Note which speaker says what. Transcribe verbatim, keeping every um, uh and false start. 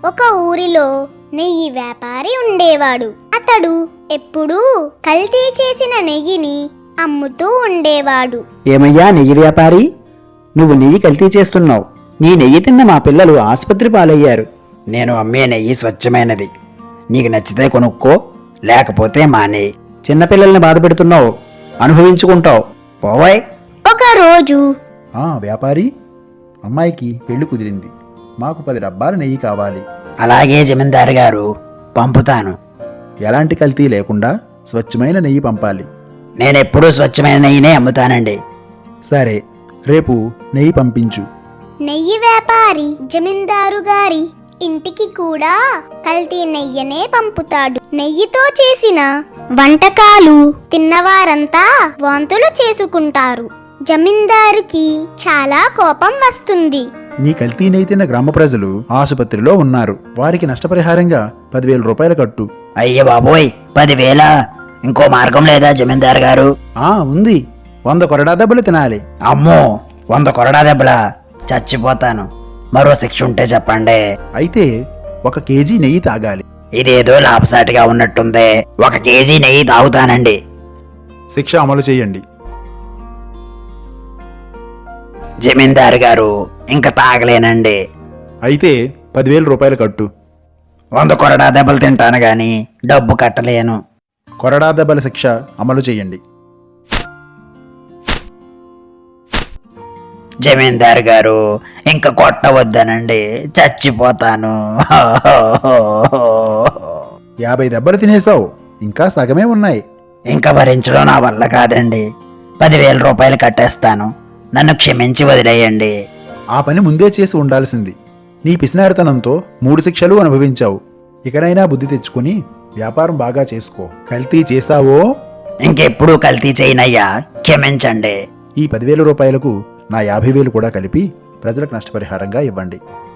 Speaker 1: ఒక ఊరిలో నెయ్యి వ్యాపారి ఉండేవాడు. అతడు ఎప్పుడూ కల్తీ చేసిన నెయ్యిని అమ్ముతూ ఉండేవాడు.
Speaker 2: ఏమయ్యా నెయ్యి వ్యాపారి, నువ్వు నెయ్యి కల్తీ చేస్తున్నావు. నీ నెయ్యి తిన్న మా పిల్లలు ఆసుపత్రి పాలయ్యారు. నేను అమ్మే నెయ్యి స్వచ్ఛమైనది. నీకు నచ్చితే కొనుక్కో, లేకపోతే మానే. చిన్నపిల్లల్ని బాధ పెడుతున్నావు, అనుభవించుకుంటావు. పోవాయ్.
Speaker 1: ఒకరోజు
Speaker 3: ఆ వ్యాపారి, అమ్మాయికి పెళ్లి కుదిరింది. మాకు పది డబ్బాల నెయ్యి కావాలి.
Speaker 2: అలాగే జమీందారు గారు, పంపుతాను.
Speaker 3: ఎలాంటి కల్తీ లేకుండా స్వచ్ఛమైన నెయ్యి పంపాలి.
Speaker 2: నేనెప్పుడూ స్వచ్ఛమైన నెయ్యినే అమ్ముతానండి.
Speaker 3: సరే, రేపు నెయ్యి పంపించు.
Speaker 1: నెయ్యి వ్యాపారి జమీందారు గారి ఇంటికి కూడా కల్తీ నెయ్యనే పంపుతాడు. నెయ్యితో చేసిన వంటకాలు తిన్నవారంతా వాంతులు చేసుకుంటారు. జమీందారుకి చాలా కోపం వస్తుంది.
Speaker 3: నీ కల్తీ నెయ్యి తిన్న గ్రామ ప్రజలు ఆసుపత్రిలో ఉన్నారు. వారికి నష్టపరిహారంగా పదివేల రూపాయలు కట్టు.
Speaker 2: అయ్య బాబోయ్, పదివేల? ఇంకో మార్గం లేదా జమీందారు గారు?
Speaker 3: ఆ ఉంది, వంద కొరడా దెబ్బలు తినాలి.
Speaker 2: అమ్మో, వంద కొరడా దెబ్బలా? చచ్చిపోతాను. మరో శిక్ష ఉంటే చెప్పండి.
Speaker 3: అయితే ఒక కేజీ నెయ్యి తాగాలి.
Speaker 2: ఇదేదో లాభసాటిగా ఉన్నట్టుందే. ఒక కేజీ నెయ్యి తాగుతానండి.
Speaker 3: శిక్ష అమలు చేయండి.
Speaker 2: జమీందారు గారు, ఇంకా తాగలేనండి.
Speaker 3: అయితే పదివేల రూపాయలు కట్టు.
Speaker 2: వంద కొరడా దెబ్బలు తింటాను గాని డబ్బు కట్టలేను.
Speaker 3: కొరడా దెబ్బల శిక్ష అమలు చేయండి.
Speaker 2: జమీందారు గారు, ఇంకా కొట్టవద్దనండి, చచ్చిపోతాను.
Speaker 3: యాభై దెబ్బలు తినేసావు, ఇంకా సగమే ఉన్నాయి.
Speaker 2: ఇంకా భరించడం నా వల్ల కాదండి. పదివేల రూపాయలు కట్టేస్తాను. నన్ను క్షమించి వదిలేయండి.
Speaker 3: ఆ పని ముందే చేసి ఉండాల్సింది. నీ పిసినారితనంతో మూడు శిక్షలు అనుభవించావు. ఇకనైనా బుద్ధి తెచ్చుకుని వ్యాపారం బాగా చేసుకో. కల్తీ చేస్తావో
Speaker 2: ఇంకెప్పుడు కల్తీ చేయనయ్యా, క్షమించండి.
Speaker 3: ఈ పదివేల రూపాయలకు నా యాభై వేలు కూడా కలిపి ప్రజలకు నష్టపరిహారంగా ఇవ్వండి.